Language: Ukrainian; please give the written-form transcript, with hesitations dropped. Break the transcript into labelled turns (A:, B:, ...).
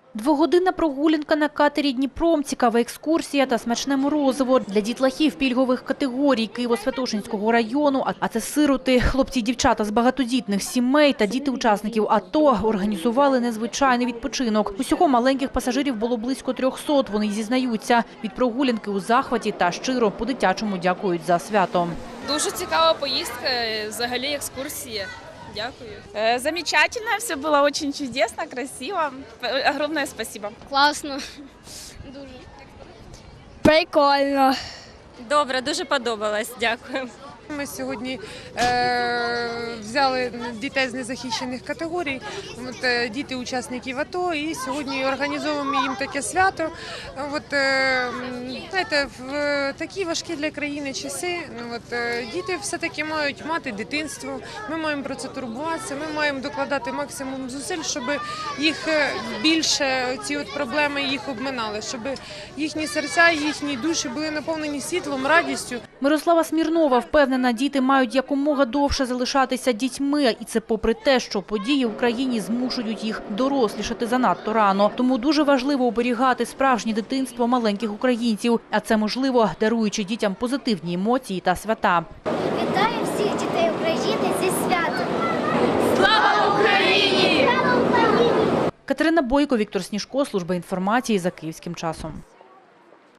A: Двогодинна прогулянка на катері «Дніпром», цікава екскурсія та смачне морозиво. Для дітлахів пільгових категорій Києво-Святошинського району, а це сироти, хлопці і дівчата з багатодітних сімей та діти учасників АТО, організували незвичайний відпочинок. Усього маленьких пасажирів було близько 300, вони зізнаються. Від прогулянки у захваті та щиро по-дитячому дякують за свято.
B: Дуже цікава поїздка, взагалі екскурсія. Дякую.
C: Замечательно, все было очень чудесно, красиво. Огромное спасибо.
D: Класно. Дуже. Прикольно.
B: Добре, дуже подобалось. Дякую.
E: Ми сьогодні взяли дітей з незахищених категорій, діти учасників АТО, і сьогодні організовуємо їм таке свято. Знаєте, в такі важкі для країни часи діти все-таки мають мати дитинство, ми маємо про це турбуватися, ми маємо докладати максимум зусиль, щоб їх більше, ці проблеми їх обминали, щоб їхні серця, їхні душі були наповнені світлом, радістю.
A: Мирослава Смірнова впевнена, діти мають якомога довше залишатися дітьми. І це попри те, що події в країні змушують їх дорослішати занадто рано. Тому дуже важливо оберігати справжнє дитинство маленьких українців. А це можливо, даруючи дітям позитивні емоції та свята.
D: Вітаю всіх дітей України зі святом.
C: Слава Україні!
D: Слава Україні!
A: Катерина Бойко, Віктор Сніжко, служба інформації за Київським часом.